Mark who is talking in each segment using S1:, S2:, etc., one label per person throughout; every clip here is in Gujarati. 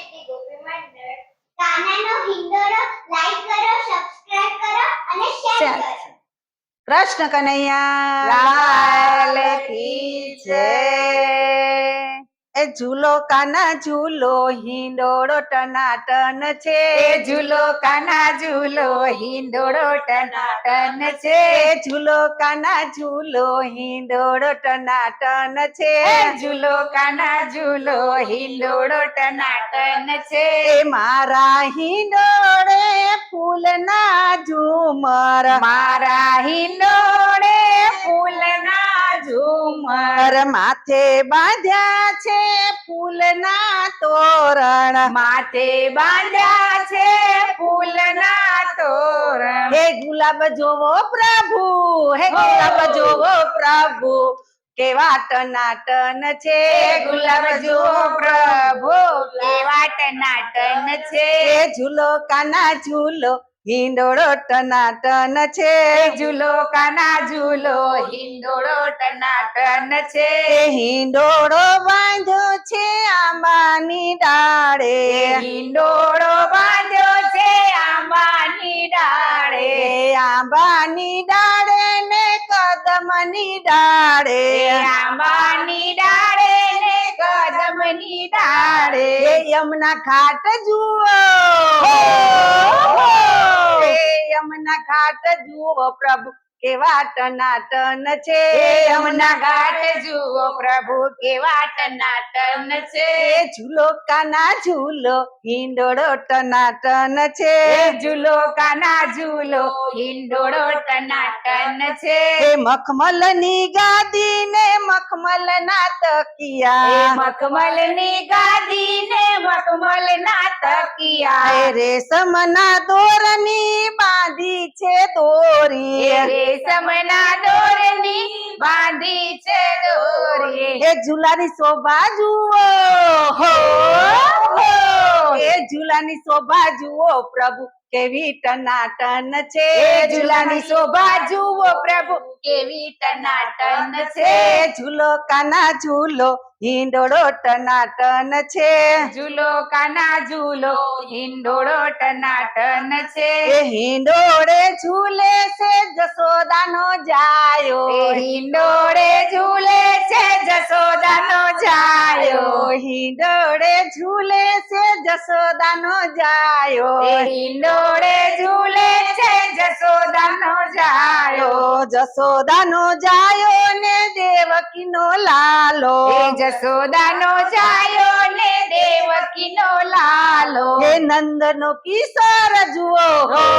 S1: શ્રી ગોપી મંડળ કાનાનો હિંડોળો લાઈક કરો, સબસ્ક્રાઇબ કરો અને શેર કરો.
S2: કૃષ્ણ કનૈયા લાલ કી જય. એ ઝૂલો કાના ઝૂલો હિંડોળો ટનાટન છે.
S3: એ ઝૂલો કાના ઝૂલો હિંડોળો ટનાટન છે.
S2: એ ઝૂલો કાના ઝૂલો હિંડોળો ટનાટન છે.
S3: એ ઝૂલો કાના ઝૂલો હિંડોળો ટનાટન છે.
S2: એ મારા હિંડોળે ફૂલના ઝુમર,
S3: મારા હિંડોળે ફૂલના ઝુમર,
S2: માથે બાંધ્યા છે ફૂલના તોરણ.
S3: માથે બાંધ્યા છે ફૂલના તોરણ.
S2: હે ગુલાબ જોવો પ્રભુ, હે ગુલાબ જોવો પ્રભુ, કેવા ટનાટન છે.
S3: એ ગુલાબ જુઓ પ્રભુ કેવા ટનાટન છે.
S2: એ ઝૂલો કાના ઝૂલો હિંડોળો ટનાટન છે.
S3: એ ઝૂલો કાના ઝૂલો હિંડોળો ટનાટન છે.
S2: એ હિંડોળો બાંધ્યો છે આંબાની ડાળે.
S3: હિંડોળો બાંધ્યો છે આંબાની ડાળે.
S2: એ આંબાની ડાળે ને કદમની ડાળે.
S3: એ આંબાની ડાળે ને કદમની ડાળે.
S2: એ યમુના ઘાટ જુઓ, એ યમુના ઘાટ જુઓ પ્રભુ કેવા ટનાટન છે.
S3: એ યમુના ઘાટ જુઓ પ્રભુ કેવા ટનાટન છે.
S2: એ ઝૂલો કાના ઝૂલો હિંડોળો ટનાટન છે.
S3: એ ઝૂલો કાના ઝૂલો હિંડોળો ટનાટન છે.
S2: એ મખમલની ગાદી ને મખમલના
S3: એ
S2: તકિયા,
S3: મખમલની ગાદી ને મખમલના તકિયા.
S2: એ રેશમના દોરની બાંધી છે દોરી.
S3: એ રેશમના દોરની બાંધી છે દોરી.
S2: એ ઝૂલાની શોભા જુઓ, હો એ ઝૂલાની શોભા જુઓ પ્રભુ કેવી ટનાટન છે.
S3: એ ઝૂલાની શોભા જુઓ પ્રભુ કેવી ટનાટન છે.
S2: એ ઝૂલો કાના ઝૂલો હિંડોળો ટનાટન છે.
S3: ઝૂલો કાના ઝૂલો હિંડોળો ટનાટન છે.
S2: એ હિંડોળે ઝૂલે છે જશોદાનો જાયો.
S3: એ હિંડોળે ઝૂલે છે જશોદાનો જાયો.
S2: હિંડોળે ઝૂલે છે જશોદાનો જાયો.
S3: એ હિંડોળે ઝૂલે છે જશોદાનો જાયો.
S2: જશોદાનો જાયો ને દેવકીનો લાલો.
S3: એ જશોદાનો જાયો ને દેવકીનો લાલો.
S2: હે નંદનો કિશોર જુઓ,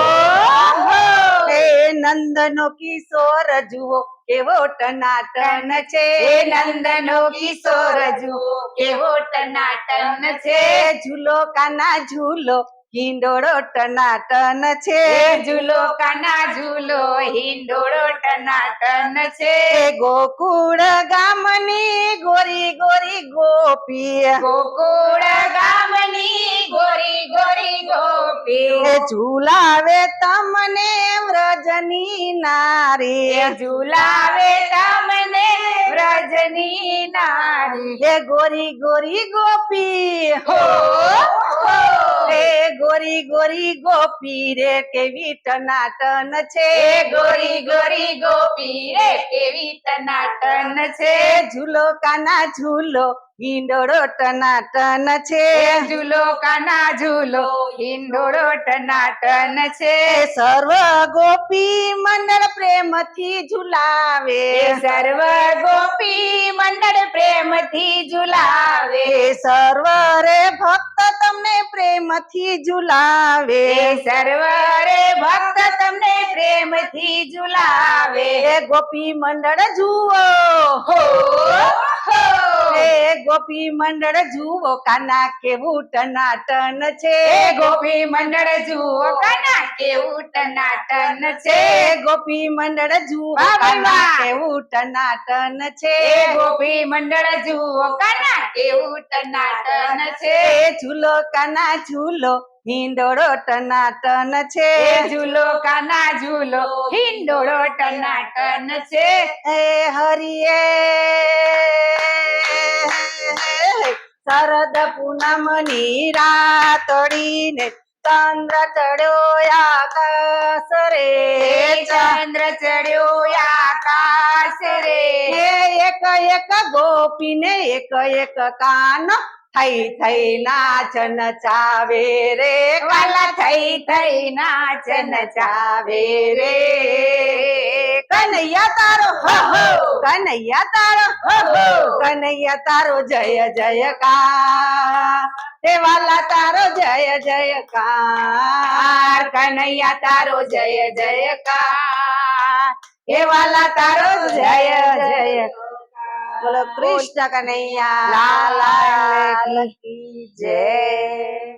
S2: હે નંદનો કિશોર જુઓ કેવો ટનાટન છે.
S3: એ નંદનો કિશોર જુઓ કેવો ટનાટન છે.
S2: એ ઝૂલો કાના ઝૂલો હિંડોળો ટનાટન છે.
S3: એ ઝૂલો કાના ઝૂલો હિંડોળો ટનાટન છે.
S2: એ ગોકુળ ગામની ગોરી ગોરી ગોપી,
S3: ગોકુળ ગામની ગોરી ગોરી ગોપી.
S2: એ ઝુલાવે તમને વ્રજની નારી.
S3: એ ઝુલાવે તમને વ્રજની નારી.
S2: એ ગોરી ગોરી ગોપી, હો એ ગોરી ગોરી ગોપી રે કેવી ટનાટન છે.
S3: એ ગોરી ગોરી ગોપી રે કેવી ટનાટન છે.
S2: એ ઝૂલો કાના ઝૂલો હિંડોળો ટનાટન છે.
S3: એ ઝૂલો કાના ઝૂલો હિંડોળો ટનાટન છે.
S2: એ સર્વ ગોપી મંડળ પ્રેમથી ઝુલાવે.
S3: એ સર્વ ગોપી મંડળ પ્રેમથી ઝુલાવે.
S2: એ સર્વ રે ભક્ત તમને પ્રેમથી ઝુલાવે.
S3: એ સર્વ રે ભક્ત તમને પ્રેમથી ઝુલાવે.
S2: એ ગોપી મંડળ જુઓ,
S3: હો હો.
S2: એ ગોપી મંડળ જુઓ કાના કેવું ટનાટન છે.
S3: એ ગોપી મંડળ જુઓ કાના કેવું ટનાટન છે.
S2: એ ગોપી મંડળ જુઓ
S3: વાહ, વાહ,
S2: કાના
S3: વાહ.
S2: કેવું ટનાટન છે.
S3: એ ગોપી મંડળ જુઓ કાના કેવું ટનાટન છે.
S2: એ ઝૂલો કાના ઝૂલો હિંડોળો ટનાટન છે.
S3: એ ઝૂલો કાના ઝૂલો હિંડોળો ટનાટન છે.
S2: એ હરિયે શરદ પૂનમની રાતડીને ચંદ્ર ચડ્યો આકાશ રે
S3: ચંદ્ર ચડ્યો આકાશ રે
S2: હે એક એક ગોપીને એક એક કાન થઈ થઈ નાચ નચાવે રે
S3: વાલા થઈ થઈ નાચ નચાવે રે
S2: કનૈયા તારો હો હો કનૈયા તારો હો હો કનૈયા તારો જય જયકાર હે વાલા તારો જય જયકાર
S3: કનૈયા તારો જય જયકાર હે વાલા તારો જય જય
S2: બોલો કૃષ્ણ કનૈયા
S3: લાલ
S2: લાલ કી જય